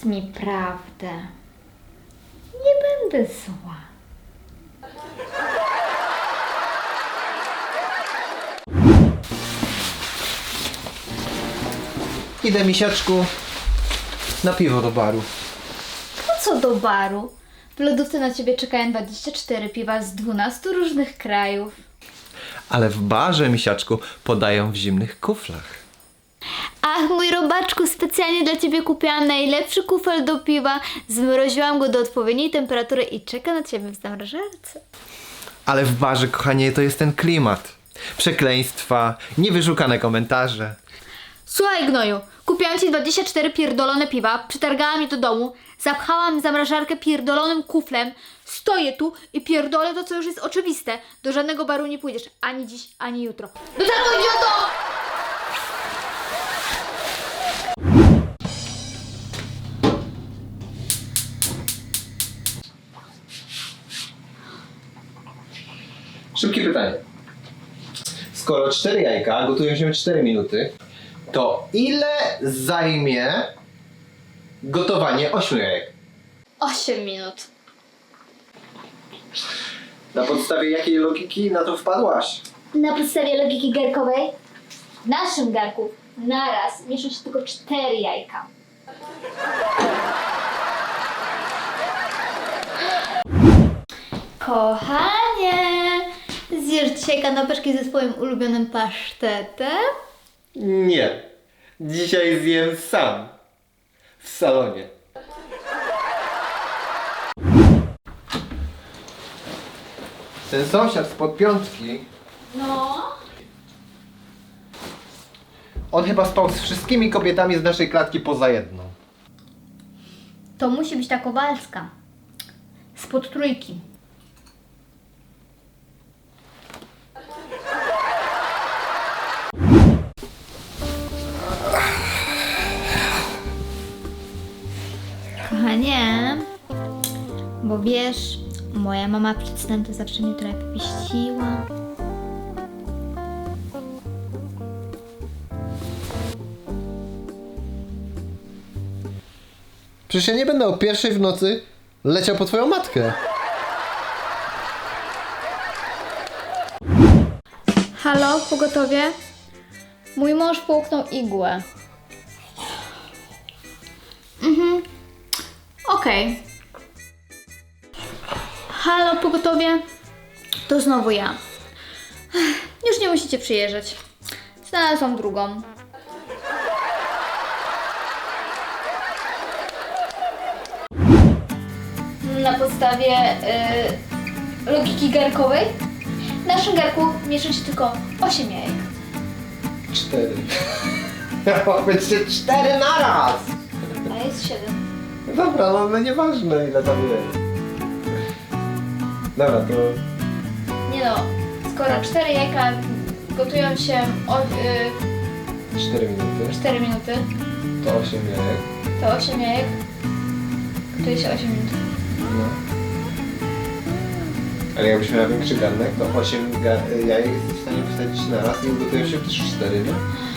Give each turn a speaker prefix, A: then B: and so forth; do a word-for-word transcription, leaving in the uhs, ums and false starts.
A: mi prawdę. Nie będę zła.
B: Idę, misiaczku, na piwo do baru.
A: Po co do baru? W lodówce na ciebie czekają dwadzieścia cztery piwa z dwunastu różnych krajów.
B: Ale w barze, misiaczku, podają w zimnych kuflach.
A: Ach, mój robaczku, specjalnie dla ciebie kupiłam najlepszy kufel do piwa. Zmroziłam go do odpowiedniej temperatury i czeka na ciebie w zamrażarce.
B: Ale w barze, kochanie, to jest ten klimat. Przekleństwa, niewyszukane komentarze.
A: Słuchaj, gnoju, kupiłam ci dwadzieścia cztery pierdolone piwa, przytargałam je do domu, zapchałam zamrażarkę pierdolonym kuflem, stoję tu i pierdolę to, co już jest oczywiste. Do żadnego baru nie pójdziesz, ani dziś, ani jutro. Do tego, idioto!
B: Szybkie pytanie. Skoro cztery jajka gotują się cztery minuty, to ile zajmie gotowanie ośmiu jajek?
A: osiem minut.
B: Na podstawie jakiej logiki na to wpadłaś?
A: Na podstawie logiki garkowej w naszym garku naraz mieszczą się tylko cztery jajka. Kochanie, zjesz dzisiaj kanapeczki ze swoim ulubionym pasztetem?
B: Nie. Dzisiaj zjem sam. W salonie. Ten sąsiad spod piątki,
A: No.
B: on chyba spał z wszystkimi kobietami z naszej klatki poza jedną.
A: To musi być ta Kowalska. Spod trójki. Kochanie, bo wiesz, moja mama przed snem to zawsze mnie trochę popieściła.
B: Przecież ja nie będę o pierwszej w nocy leciał po twoją matkę.
A: Halo, pogotowie? Mój mąż połknął igłę. Mhm. Okej. Halo, pogotowie? To znowu ja. Już nie musicie przyjeżdżać. Znalazłam drugą. Na podstawie y, logiki garkowej w naszym garku mieszczą się tylko osiem jajek.
B: Cztery. Miało być cztery naraz!
A: A jest siedem.
B: Dobra, no, no nieważne ile tam jest. Dobra, to...
A: Nie no, skoro cztery jajka gotują się o, y,
B: cztery minuty.
A: cztery minuty,
B: To osiem jajek.
A: to osiem jajek gotuje się osiem minut.
B: No. Ale jakbyś miała większy garnek, to osiem ga- jajek jesteś w stanie wsadzić na raz i ugotują się też cztery, nie?